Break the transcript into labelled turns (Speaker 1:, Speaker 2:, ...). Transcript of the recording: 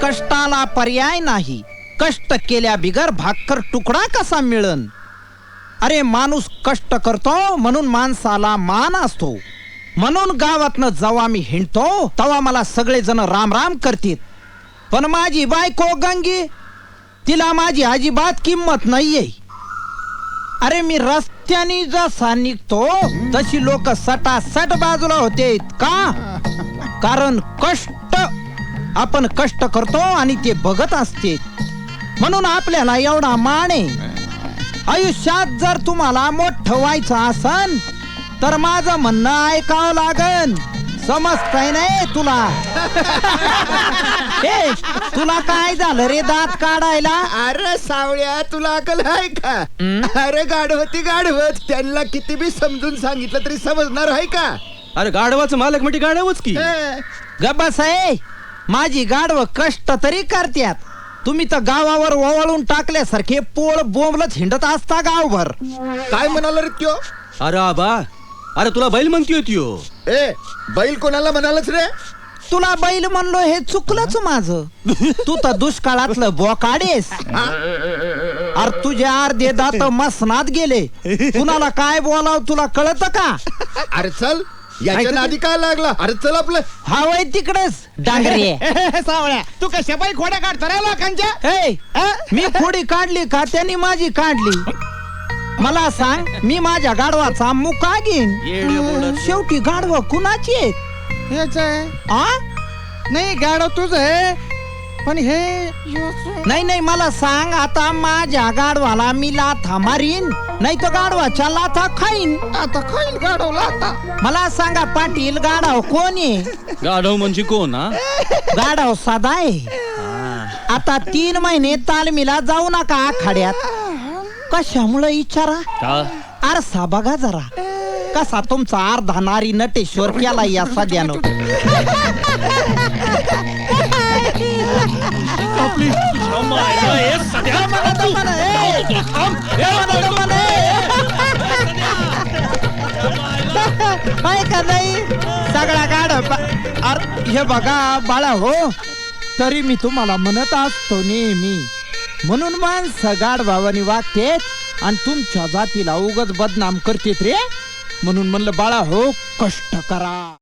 Speaker 1: कष्टाला पर्याय नाही, कष्ट केल्या बिगर भाकर तुकडा कसा मिळन. अरे माणूस कष्ट करतो म्हणून माणसाला मान असतो. म्हणून गावातनं जेव्हा मी हिंडतो तेव्हा मला सगळेजण राम राम करतील. पण माझी बायको गंगी, तिला माझी अजिबात किंमत नाहीये. अरे मी रस्त्याने जसा निघतो तशी लोक सटासट बाजूला होते. का? कारण कष्ट, आपण कष्ट करतो आणि ते बघत असते म्हणून आपल्याला एवढा मान आहे. आयुष्यात जर तुम्हाला मोठं व्हायचं असन तर माझं म्हणणं ऐकावं लागन. समजतंय नाही तुला? ए, तुला काय झालं रे दात काढायला?
Speaker 2: अरे सावळ्या, तुला अकल आहे का? अरे गाढवती गाढवत, त्यांना किती बी समजून सांगितलं तरी समजणार आहे का?
Speaker 3: अरे गाढवाचं मालक म्हणजे गाढवच की.
Speaker 1: गबस आहे, माझी गाढव कष्ट तरी करत्यात. तुम्ही तर गावावर ओवाळून टाकल्यासारखे पोळ बोंबलत हिंडत असता गावभर.
Speaker 2: काय म्हणाला रे त्यो?
Speaker 3: अरे आबा, अरे तुला बैल म्हणतीय त्यो.
Speaker 2: ए, बैल कोणाला म्हणालच रे?
Speaker 1: तुला बैल म्हणलो हे चुकलंच माझं. तू तर दुष्काळातलं बोकाडेस. अरे तुझे अर्धे दात मसनात गेले. कुणाला काय बोलाव तुला कळत का?
Speaker 2: अरे चल, याच्या नादी काय लागला? अरे चल आपलं.
Speaker 1: हा वय तिकडेच डांगरे.
Speaker 4: सावळ्या, तू कशा बाई खोड्या काढतो रे लोकांच्या?
Speaker 1: मी खोडी काढली का त्यांनी माझी काढली? मला सांग, मी माझ्या गाढवाचा मुका घेईन. शेवटी गाढव कुणाची आहेत?
Speaker 4: हेच आहे.
Speaker 1: आ?
Speaker 4: नाही, गाडव तुझं आहे, पण हे
Speaker 1: नाही नाही, मला सांग, आता माझ्या गाढवाला मी लाथा मारीन नाही तर गाढवाच्या लाथा खाईन.
Speaker 4: आता खाईल गाडवला आता.
Speaker 1: मला सांगा पाटील, गाढव कोण आहे?
Speaker 3: गाढव म्हणजे कोण? हा,
Speaker 1: गाढव साधा आहे. आता 3 महिने तालमीला जाऊ नका आखाड्यात. कशामुळे विचारा?
Speaker 3: का?
Speaker 1: आरसा बघा जरा, कसा तुमचा अर्धा नारी नटेश्वर केला या सध्यानं. का नाही सगळा गाड. हे बघा बाळा हो, तरी मी तुम्हाला म्हणत असतो नेहमी, म्हणून माणसं गाड भावानी वागतेत आणि तुमच्या जातीला उगाच बदनाम करतेत रे. म्हणून म्हणलं बाळा हो, कष्ट करा.